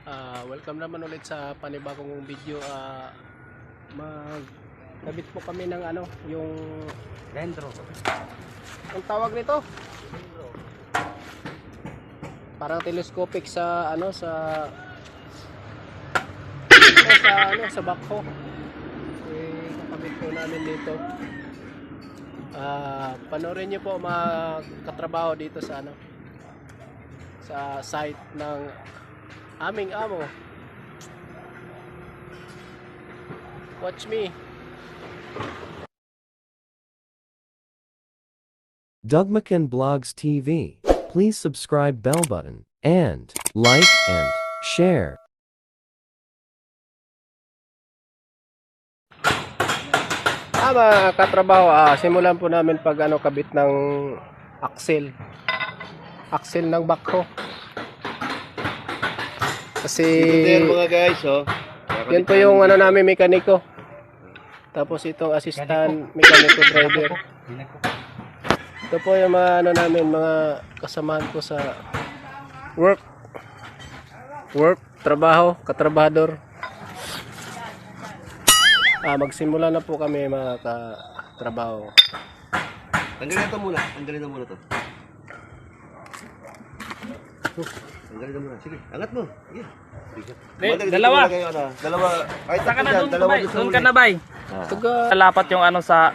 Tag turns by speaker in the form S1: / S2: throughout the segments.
S1: Welcome naman ulit sa panibagong video. Magkabit po kami ng yung
S2: dentro.
S1: ang tawag nito? Parang telescopic sa sa backhoe. Kakabit po namin dito. Panoorin niyo po mga katrabaho dito sa sa site ng aming amo. Watch me.
S3: Doug McCann Blogs TV. Please subscribe bell button and like and share.
S1: Mga katrabaho, simulan po namin pag kabit ng axle ng backhoe. Kasi
S2: Ito mga guys,
S1: yan po yung namin mekaniko. Tapos itong assistant mekaniko driver. Ito po yung mga namin, mga kasamahan ko sa work, trabaho, katrabahador. Magsimula na po kami mga katrabaho.
S2: Tanggalin na muna to. Tanggalin na muna. Sige, angat mo. Sige.
S4: Dalawa.
S2: Dalawa. Kahit
S4: Saka na
S2: dyan, dalawa
S4: bay. Doon ka na bay. Lapat yung sa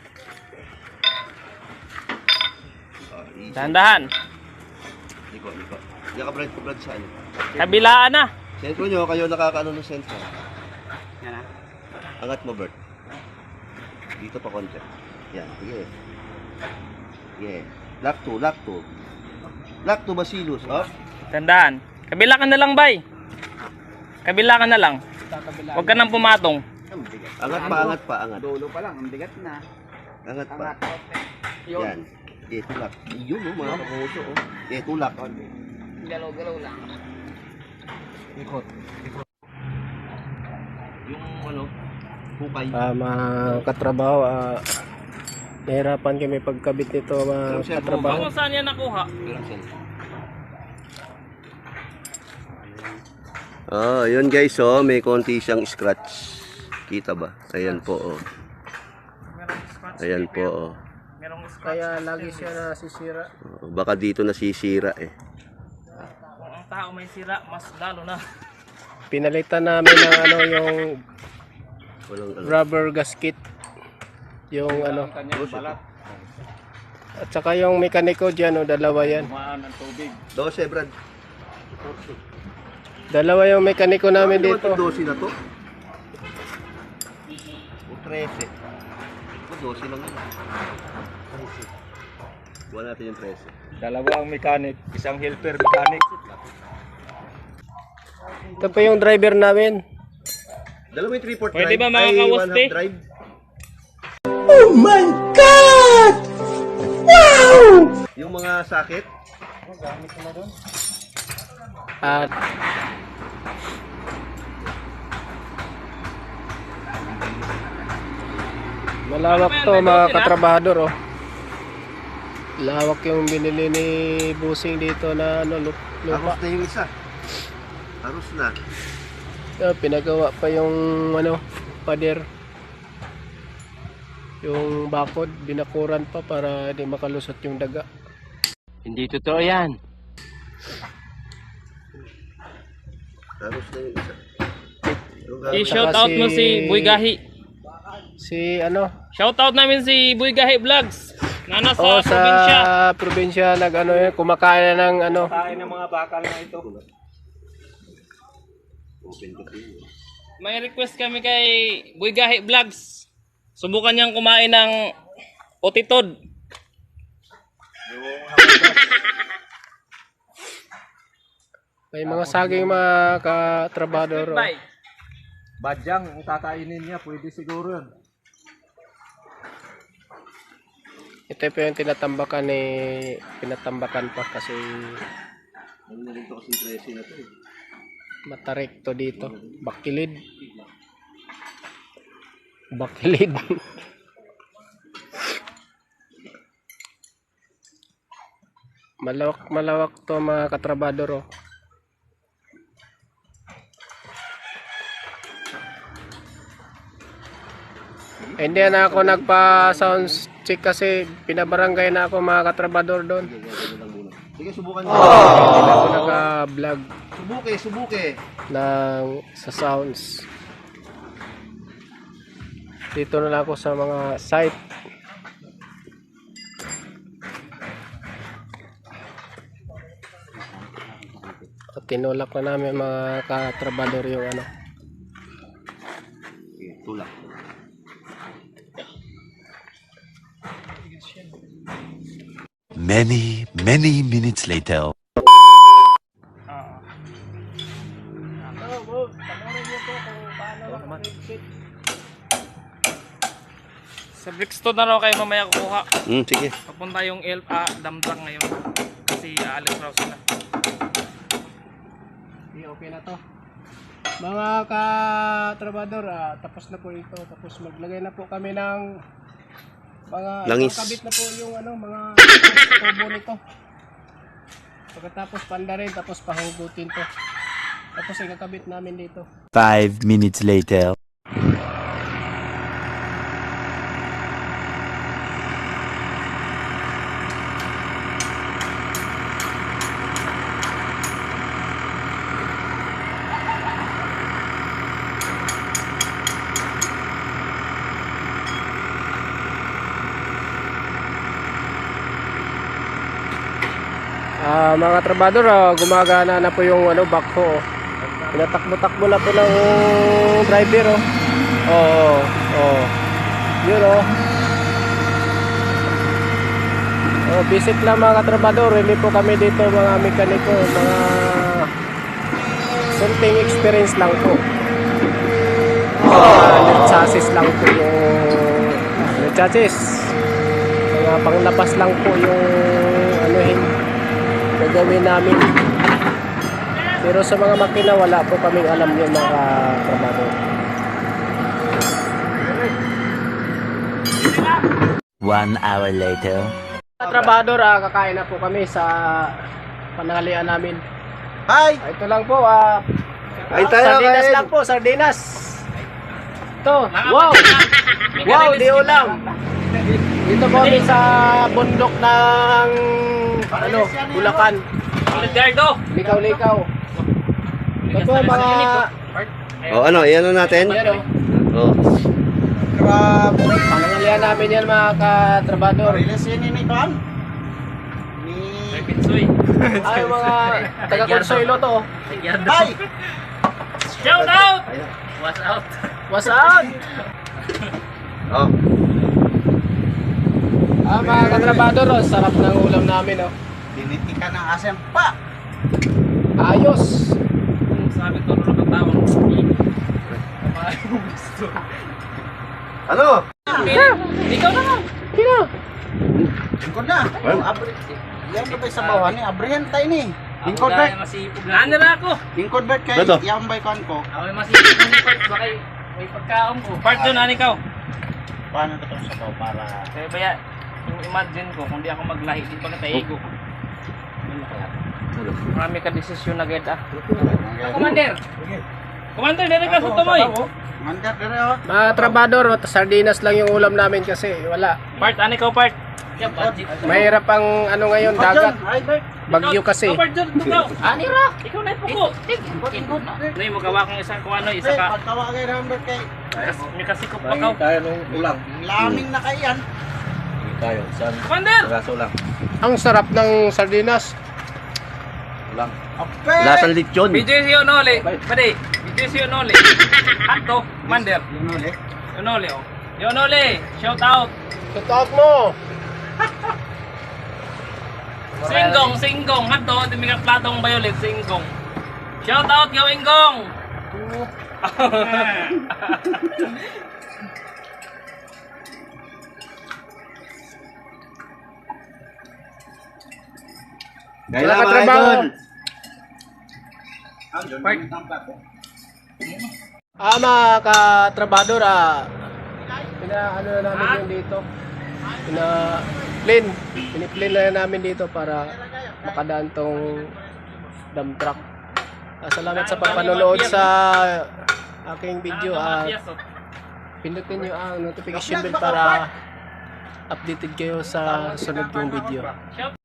S4: dahan-dahan.
S2: Liko. Yan ka brad sa ano.
S4: Kabilaan na.
S2: Sentro nyo, kayo nakakaano ng sentro.
S4: Yan na.
S2: Angat mo, Bert. Dito pa konti. Yan, sige. Sige. Lock to Basilus,
S4: Tandaan. Kabila ka na lang bay. Kabila ka na lang. Huwag ka nang pumatong.
S2: Angat pa.
S5: Dulo pa lang, ang bigat na.
S2: Angat pa. Yan. Tulak. Yun, mga kapuso, tulak.
S5: Galaw-galaw lang.
S2: Ikot. Yung hukay.
S1: Mga katrabaho, nahirapan kami pagkabit nito mga katrabaho.
S4: Kung saan yan nakuha?
S2: Yun guys, may konti siyang scratch. Kita ba? Ayan po, Ayan po,
S4: Merong scratch.
S1: Kaya lagi siya nasisira.
S2: Baka dito nasisira
S4: Kung ang tao may sira, mas lalo na.
S1: Pinalitan namin ng yung
S2: Walang
S1: rubber gasket. Yung At saka yung mekaniko diyan, dalawa yan.
S4: Kumaan ng tubig.
S2: 12, Brad.
S1: Dalawa yung mekaniko namin dito.
S2: 12 na to? O 13. O 12 lang yun. Buwan natin yung 13.
S4: Dalawa ang mechanic, isang helper mechanic.
S1: Ito pa yung driver namin.
S2: Dalawa yung 3/4 drive.
S4: Pwede ba makakawaste?
S2: Drive.
S1: Oh my God! Wow!
S2: Yung mga sakit.
S1: At malawak to mga katrabahador, Lawak yung binili ni Busing dito na lupa.
S2: Aros na yung isa. Aros na.
S1: Pinagawa pa yung pader. Yung bakod, binakuran pa para di makalusot yung daga.
S5: Hindi totoo yan.
S2: Aros na yung isa.
S4: I-shout out mo si Boy Gahi.
S1: Si
S4: Shout out namin si Boy Gahi Vlogs. Na nasa
S1: sa
S4: probinsya.
S1: probinsya kumakain ng
S4: Kain ng mga bakal na ito. May request kami kay Boy Gahi Vlogs. Subukan niyang kumain ng otitod.
S1: may mga saging mga katrabador.
S5: Badyang, ang kakainin niya, pwede siguro yun.
S1: Ito po yung pinatambakan pa kasi
S2: Ano na rin ito kasi 13 na to
S1: matarik to dito. Bakilid. Malawak to mga katrabador. Hindi na ako nagpa-sound check kasi pinabarangay na ako mga katrabador doon.
S2: Sige, subukan mo.
S1: Hindi na ako naka-vlog
S2: Subuke.
S1: ng sa sounds. Dito na lang ako sa mga site. At tinulak na namin mga katrabador yung ano.
S2: Tulak.
S6: Many minutes later.
S4: Sa Brixton na raw kayo mamaya kukuha.
S2: Sige.
S4: Papunta yung Damdang ngayon. Kasi aalis raw sila.
S1: Okay na to. Mga katrabador, tapos na po ito. Tapos maglagay na po kami ng mga
S2: Langis.
S1: kabit na po yung ano, mga tubo nito. Pagkatapos panda rin, tapos pahugutin to. Tapos ikakabit namin dito.
S6: 5 minutes later.
S1: Mga trabador, gumagana na po yung ano, backhoe. Pinatakbo-takbo na po ng driver. Yun visit lang mga trabador. Hindi po kami dito mga mekaniko, mga something experience lang po. Lead chassis lang po yung lead chassis. Mga panglabas lang po yung anuhin gagawin namin. Pero sa mga makina wala po kaming alam yun mga trabaho.
S6: 1 hour later.
S1: Trabador, kakain na po kami sa pananghalian namin.
S2: Hi!
S1: Ito lang po,
S2: Kain tayo,
S1: sardinas
S2: kain.
S1: lang po, sardinas. Ito, wow! Wow, di ulam. Dito po kami sa bundok ng ano, Bulacan.
S4: Edgardo!
S1: Likaw-likaw. Ito po mga
S2: Ano, iyan natin?
S1: ano, pananghalian namin yan mga katrabador.
S4: May pitsoy.
S1: Ay, mga taga-Consuelo to.
S4: Hi! Shout out! What's out?
S1: What's up? Mga katrabador, sarap ng ulam namin.
S5: Dinitika ng asem pa.
S1: Ayos.
S4: Sabi ko rin ang tawag.
S2: Ano?
S4: Ikaw na nga.
S1: Kino?
S5: Lingkod na. Yan ba sa bawan ni? Abrihan tayo ni. Lingkod Bert.
S4: Masipog na. Ano na ako?
S5: Lingkod Bert kay
S2: Beto.
S5: yung baykan ko.
S4: Ako may masipog na ni Part. Baka may pagkaon ko. Part doon, ano ikaw?
S5: Paano ito sa baw para...
S4: Kaya baya, yung imagine ko, kung di ako maglahi, di pa kataigo ko. Marami ka desisyon na ged Commander! Commander, dire ka sa tumoy!
S5: Mandar dire oh.
S1: Mga trabador, sardinas lang yung ulam namin kasi wala.
S4: Part, ano ikaw part?
S1: Mahirap ang ano ngayon, dagat.
S5: Ay Bert.
S1: Bagyo kasi.
S4: Ikaw part dyan, ikaw! Ani ra! Ikaw na ipuko! Ano yung magawa kong isang kung ano, isa ka.
S5: Pagtawa kay Rambert kay
S4: May kasikop pa ka.
S5: tayo nung ulang. Laming na kay yan.
S2: Tayo, saan?
S4: Commander!
S2: Raso lang.
S1: Ang sarap ng sardinas.
S2: Ulang.
S5: Ape.
S2: Lasang lechon.
S4: BJC Onole! Pwede! BJC Onole! Hato! Commander! Onole oh! Onole! Shout out!
S1: Tutok mo!
S4: Singgong! Hato! Hindi may platong violet. Singgong! Shout out! Gawing gong!
S2: Kaya
S1: Wala
S2: mga
S1: katrabaho.
S2: idol.
S1: Mga katrabador, ano na namin yun dito. Piniplan na namin dito para makadaan tong dump truck. Salamat sa panonood sa aking video. Pindutin nyo ang notification bell para updated kayo sa sunod kong video.